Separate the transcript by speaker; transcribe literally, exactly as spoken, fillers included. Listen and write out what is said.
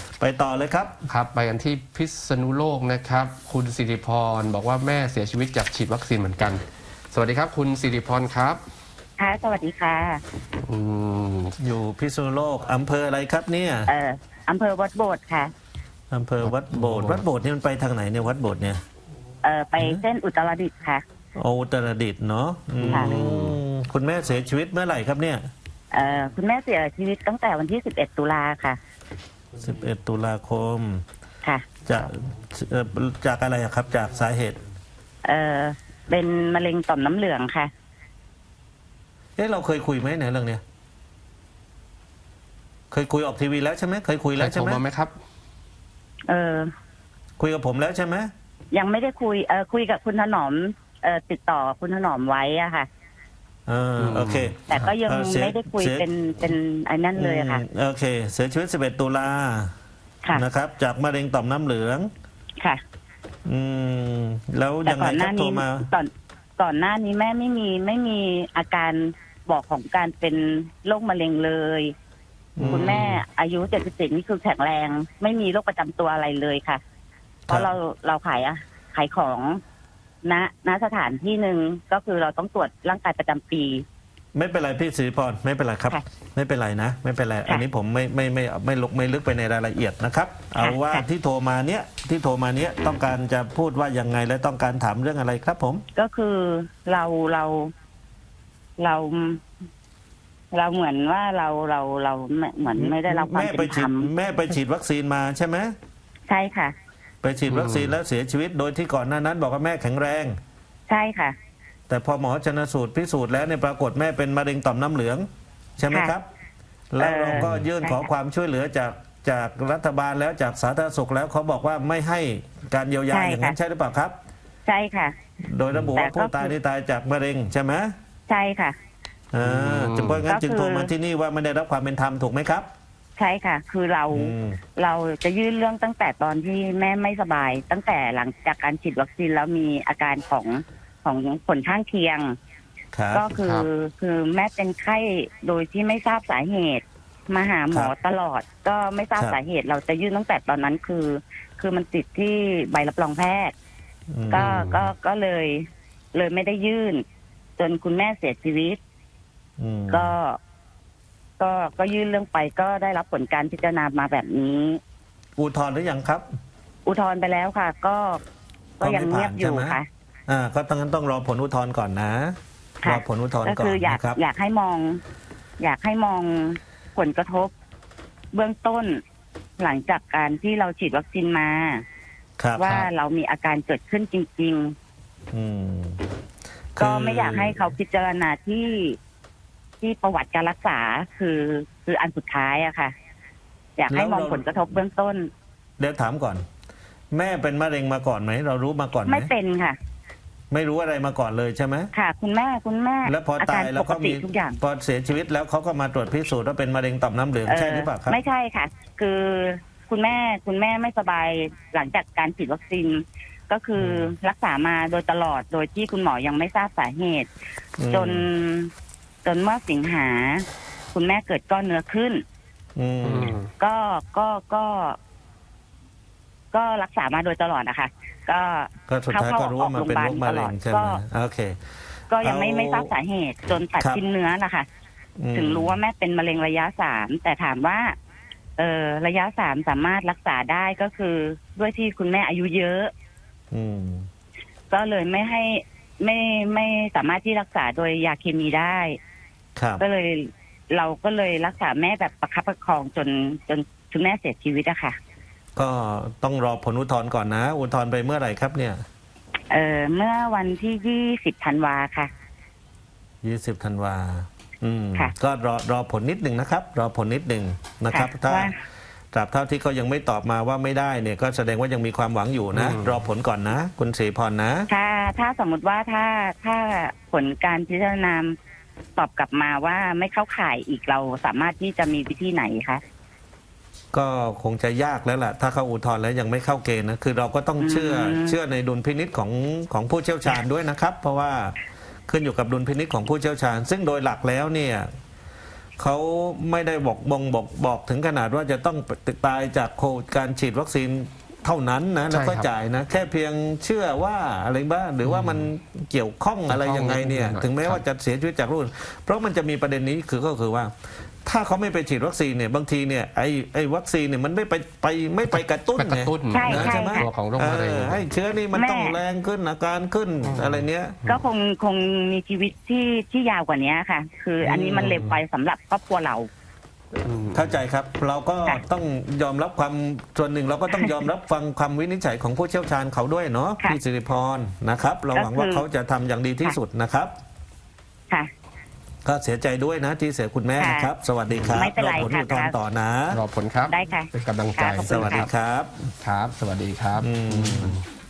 Speaker 1: ไปต่อเลยครับ
Speaker 2: ครับไปกันที่พิษณุโลกนะครับคุณสิริพรบอกว่าแม่เสียชีวิตจากฉีดวัคซีนเหมือนกันสวัสดีครับคุณสิริพรครับ
Speaker 3: ค่ะสวัสดีค่ะ
Speaker 1: อืมอยู่พิษณุโลกอำเภออะไรครับเนี่ย
Speaker 3: เอ่ออำเภอวัดโบสถ์ค่ะ
Speaker 1: อำเภอวัดโบสถ์วัดโบสถ์นี่มันไปทางไหนเนี่ยวัดโบสถ์เนี่ย
Speaker 3: เอ่อไปเส้นอุตรดิตถ์ค่ะ
Speaker 1: โออุตรดิตถ์เนาะคุณแม่เสียชีวิตเมื่อไหร่ครับเนี่ย
Speaker 3: เอ่อคุณแม่เสียชีวิตตั้งแต่วันที่สิบเอ็ดตุลาค่ะ
Speaker 1: สิบเอ็ดตุลาคม
Speaker 3: ค่ะ
Speaker 1: จากจากอะไรครับจากสาเหตุ
Speaker 3: เอ่อเป็นมะเร็งต่อมน้ำเหลืองค่ะ
Speaker 1: เอ๊ะเราเคยคุยไหมในเรื่องเนี้ยเคยคุยออกทีวีแล้วใช่ไหมเคยคุยแล้วใช่ไหม
Speaker 2: ไหมครับ
Speaker 3: เออ
Speaker 1: คุยกับผมแล้วใช่ไหม
Speaker 3: ยังไม่ได้คุยเออคุยกับคุณถนอมเออติดต่อคุณถนอมไว้อะค่ะ
Speaker 1: เออโอเค
Speaker 3: แต่ก็ยังไม่ได้คุยเป็นเป็นไอ้นั่นเลยค่ะ
Speaker 1: โอเคเสียชีวิตสิบเอ็ดตุลานะครับจากมะเร็งต่อมน้ำเหลือง
Speaker 3: ค่ะ
Speaker 1: อืมแล้วยังไงครับโทรมา
Speaker 3: ก่อนก่อนหน้านี้แม่ไม่มีไม่มีอาการบอกของการเป็นโรคมะเร็งเลยคุณแม่อายุเจ็ดสิบเจ็ดนี่คือแข็งแรงไม่มีโรคประจำตัวอะไรเลยค่ะเพราะเราเราขายอะขายของณณสถานที่หนึ่งก็คือเราต้องตรวจร่างกายประจำปี
Speaker 1: ไม่เป็นไรพี่ศรีพรไม่เป็นไรครับไม่เป็นไรนะไม่เป็นไรอันนี้ผมไม่ไม่ไม่ไม่ลกไม่ลึกไปในรายละเอียดนะครับเอาว่าที่โทรมาเนี้ยที่โทรมาเนี้ยต้องการจะพูดว่ายังไงและต้องการถามเรื่องอะไรครับผม
Speaker 3: ก็คือเราเราเราเราเหมือนว่าเราเราเราเหมือนไม่ได้รับความเป็นธรรม
Speaker 1: แม่ไปฉีดวัคซีนมาใช่ไหม
Speaker 3: ใช่ค่ะ
Speaker 1: ไปฉีดวัคซีนแล้วเสียชีวิตโดยที่ก่อนหน้านั้นบอกว่าแม่แข็งแรง
Speaker 3: ใช่ค่ะ
Speaker 1: แต่พอหมอชันสูตรพิสูจน์แล้วเนี่ยปรากฏแม่เป็นมะเร็งต่อมน้ำเหลืองใช่ไหมครับแล้วเราก็ยื่นขอความช่วยเหลือจากจากรัฐบาลแล้วจากสาธารณสุขแล้วเขาบอกว่าไม่ให้การเยียวยาอย่างนั้นใช่หรือเปล่าครับ
Speaker 3: ใช่ค่ะ
Speaker 1: โดยระบุว่าผู้ตายนี่ตายจากมะเร็งใช่ไหม
Speaker 3: ใช่ค่ะ
Speaker 1: อ่าจึงเพราะงั้นจึงโทรมาที่นี่ว่าไม่ได้รับความเป็นธรรมถูกไหมครับ
Speaker 3: ใช่ค่ะคือเราเราจะยื่นเรื่องตั้งแต่ตอนที่แม่ไม่สบายตั้งแต่หลังจากการฉีดวัคซีนแล้วมีอาการของของผลข้างเคียงก็คือคือแม่เป็นไข้โดยที่ไม่ทราบสาเหตุมาหาหมอตลอดก็ไม่ทราบสาเหตุเราจะยื่นตั้งแต่ตอนนั้นคือคือมันติดที่ใบรับรองแพทย์ก็ก็ก็เลยเลยไม่ได้ยื่นจนคุณแม่เสียชีวิตก็ก็ก็ยื่นเรื่องไปก็ได้รับผลการพิจารณามาแบบนี้
Speaker 1: อุทธรณ์หรือยังครับ
Speaker 3: อุทธรณ์ไปแล้วค่ะก็ก็ยังเงียบอยู่ค่ะ
Speaker 1: อ่าก็ต้องงั้นต้องรอผลอุทธรณ์ก่อนนะรอผลอุทธรณ์ก่อน
Speaker 3: ก็คืออยากอยากให้มอง อยากให้มองผลกระทบเบื้องต้นหลังจากการที่เราฉีดวัคซีนมาว่าเรามีอาการเกิดขึ้นจริงๆอืมก็ไม่อยากให้เขาพิจารณาที่ที่ประวัติการรักษาคือคืออันสุดท้ายอะค่ะอยากให้มองผลกระทบเบื้องต้น
Speaker 1: เดี๋ยวถามก่อนแม่เป็นมะเร็งมาก่อนไหมเรารู้มาก่อนไหม
Speaker 3: ไม่เป็นค่ะ
Speaker 1: ไม่รู้อะไรมาก่อนเลยใช่ไหม
Speaker 3: ค่ะคุณแม่คุณแม่
Speaker 1: แล้วพอตายแล้วก็มี
Speaker 3: ทุกอย่าง
Speaker 1: พอเสียชีวิตแล้วเขาก็มาตรวจพิสูจน์ว่าเป็นมะเร็งต่อมน้ำเหลืองใช่หรือเปล่าครับ
Speaker 3: ไม่ใช่ค่ะคือคุณแม่คุณแม่ไม่สบายหลังจากการฉีดวัคซีนก็คือรักษามาโดยตลอดโดยที่คุณหมอยังไม่ทราบสาเหตุจนจนเมื่อสิงหาคุณแม่เกิดก้อนเนื้อขึ้นก็ก็ก็ก็รักษามาโดยตลอดนะคะก็
Speaker 1: สุดท้ายก็รู้ว่ามันเป็นโรคมะเร็งใช่ไหมโอเค
Speaker 3: ก็ยังไม่ไม่ทราบสาเหตุจนตัดชิ้นเนื้อนะคะถึงรู้ว่าแม่เป็นมะเร็งระยะสามแต่ถามว่าเออระยะสามสามารถรักษาได้ก็คือด้วยที่คุณแม่อายุเยอะก็เลยไม่ให้ไม่ไม่สามารถที่รักษาโดยยาเคมีได้ก็เลยเราก็เลยรักษาแม่แบบประคับประคองจนจนคุณแม่เสียชีวิตอะค่ะ
Speaker 1: ก็ต้องรอผลอุทธรณ์ก่อนนะอุทธรณ์ไปเมื่อไหร่ครับเนี่ย
Speaker 3: เออเมื่อวันที่ยี่สิบธันวาค่ะ
Speaker 1: ยี่สิบธันวาอืมก็รอรอผลนิดหนึ่งนะครับรอผลนิดหนึ่งนะครับถ้าตราบเท่าที่เขายังไม่ตอบมาว่าไม่ได้เนี่ยก็แสดงว่ายังมีความหวังอยู่นะรอผลก่อนนะคุณศรีพรนะ
Speaker 3: ถ้าถ้าสมมติว่าถ้าถ้าผลการพิจารณาตอบกลับมาว่าไม่เข้าข่ายอีกเราสามารถที่จะมีวิธีไหนคะ
Speaker 1: ก็คงจะยากแล้วล่ะถ้าเขาอุทธรณ์แล้วยังไม่เข้าเกณฑ์นะคือเราก็ต้องเชื่อเชื่อในดุลพินิจของของผู้เชี่ยวชาญด้วยนะครับเพราะว่าขึ้นอยู่กับดุลพินิจของผู้เชี่ยวชาญซึ่งโดยหลักแล้วเนี่ยเขาไม่ได้บอกบ่งบอกบอกถึงขนาดว่าจะต้องตายจากโควิดการฉีดวัคซีนเท่านั้นนะแล้วก็
Speaker 2: ใช่ครับ
Speaker 1: จ่ายนะแค่เพียงเชื่อว่าอะไรบ้างหรือว่ามันเกี่ยวข้องอะไรยังไงเนี่ย
Speaker 2: เกี่ยวข้อง
Speaker 1: ถึงแม้ว่าจะเสียชีวิตจากโรคเพราะมันจะมีประเด็นนี้คือก็คือว่า ถ้าเขาไม่ไปฉีดวัคซีนเนี่ยบางทีเนี่ยไอ้ไอ้วัคซีนเนี่ยมันไม่ไปไปไม่ไปกระตุ้น
Speaker 2: ไปกระตุ้น
Speaker 3: ใช่
Speaker 1: นะ
Speaker 3: ใช่
Speaker 1: ใช่ไหม
Speaker 3: ค่ะ
Speaker 2: ตัวของโรคมะเร็ง
Speaker 1: เออให้เชื้อนี่มัน
Speaker 3: แม่
Speaker 1: ต้องแรงขึ้นอาการขึ้นอะไรเนี้ย
Speaker 3: ก็คงคงมีชีวิตที่ที่ยาวกว่านี้ค่ะ คืออันนี้มันเร็วไปสำหรับครอบครัวเรา
Speaker 2: อืม
Speaker 1: เข้าใจครับ เราก็
Speaker 3: ค่ะ
Speaker 1: ต้องยอมรับความส่วนหนึ่งเราก็ต้องยอมรับฟังคำวินิจฉัยของผู้เชี่ยวชาญเขาด้วยเนาะ
Speaker 3: ค่ะ
Speaker 1: พี่สิริพรนะครับ เราหวังว่า
Speaker 3: ก็คือ
Speaker 1: เขาจะทำอย่างดีที่สุดนะครับ
Speaker 3: ค่ะ
Speaker 1: ก็เสียใจด้วยนะที่เสียคุณแม่
Speaker 3: ค่ะ
Speaker 1: นะครับ สวัสดีครับ
Speaker 3: ไม่เป็นไร
Speaker 1: อผล
Speaker 3: ค่ะ
Speaker 1: อุทธรณ์ต่อนะ
Speaker 2: รอผลครับ
Speaker 3: ได้ค่ะ
Speaker 2: เป็นกำลังใจ
Speaker 3: ค่ะขอบ
Speaker 1: ส
Speaker 3: คุณ
Speaker 1: วัสดีครับ
Speaker 2: ครับ สวัสดีครับ
Speaker 1: อืม